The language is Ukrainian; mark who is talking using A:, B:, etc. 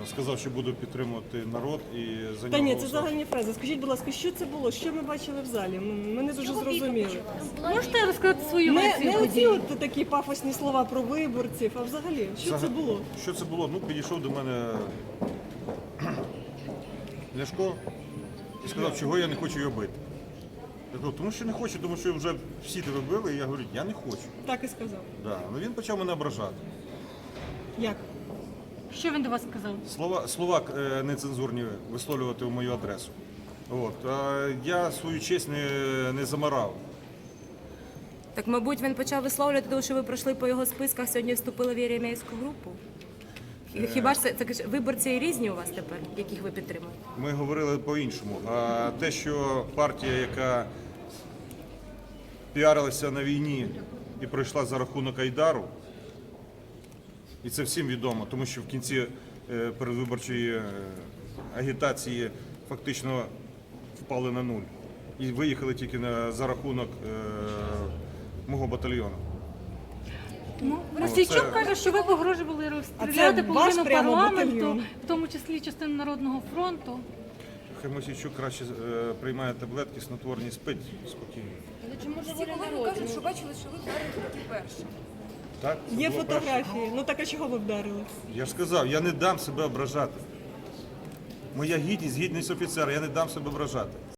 A: сказав, що буду підтримувати народ і за нього
B: Та ні, це
A: голосувати.
B: загальні фрази. Скажіть, будь ласка, що це було? Що ми бачили в залі? Ми не дуже зрозуміли.
C: Можете розказати свою
B: Не
C: версію
B: оці
C: подій?
B: от такі пафосні слова про виборців, а взагалі, що це було?
A: Що це було? Ну, підійшов до мене Ляшко і сказав, чого я не хочу його бити. Я кажу, тому що не хочу, тому що вже всі тебе били, і я говорю, я не хочу.
B: Так і сказав.
A: Да. Ну, він почав мене ображати.
B: Як?
C: Що він до вас сказав?
A: Слова нецензурні висловлювати в мою адресу. От. А я свою честь не замарав.
D: Так, мабуть, він почав висловлювати, тому що ви пройшли по його списках, сьогодні вступили в єремейську групу. Хіба ж це виборці різні у вас тепер, яких ви підтримуєте?
A: Ми говорили по-іншому. А те, що партія, яка піарилася на війні і пройшла за рахунок Айдару, і це всім відомо, тому що в кінці передвиборчої агітації фактично впали на нуль. І виїхали тільки за рахунок мого батальйону.
C: Мосійчук каже, що ви погрожували розстріляти
B: А це ваш
C: половину
B: прямо
C: парламенту,
B: батальйон?
C: в тому числі частину Народного фронту.
A: Хай Мосійчук краще приймає таблетки, снотворні, спить спокійно.
E: Всі колеги кажуть, що бачили, що ви вдарили такі перші.
A: Так? Це
B: Є
A: було перше.
B: фотографії. Ну так а чого ви вдарили?
A: Я ж сказав, я не дам себе ображати. Моя гідність офіцера, я не дам себе ображати.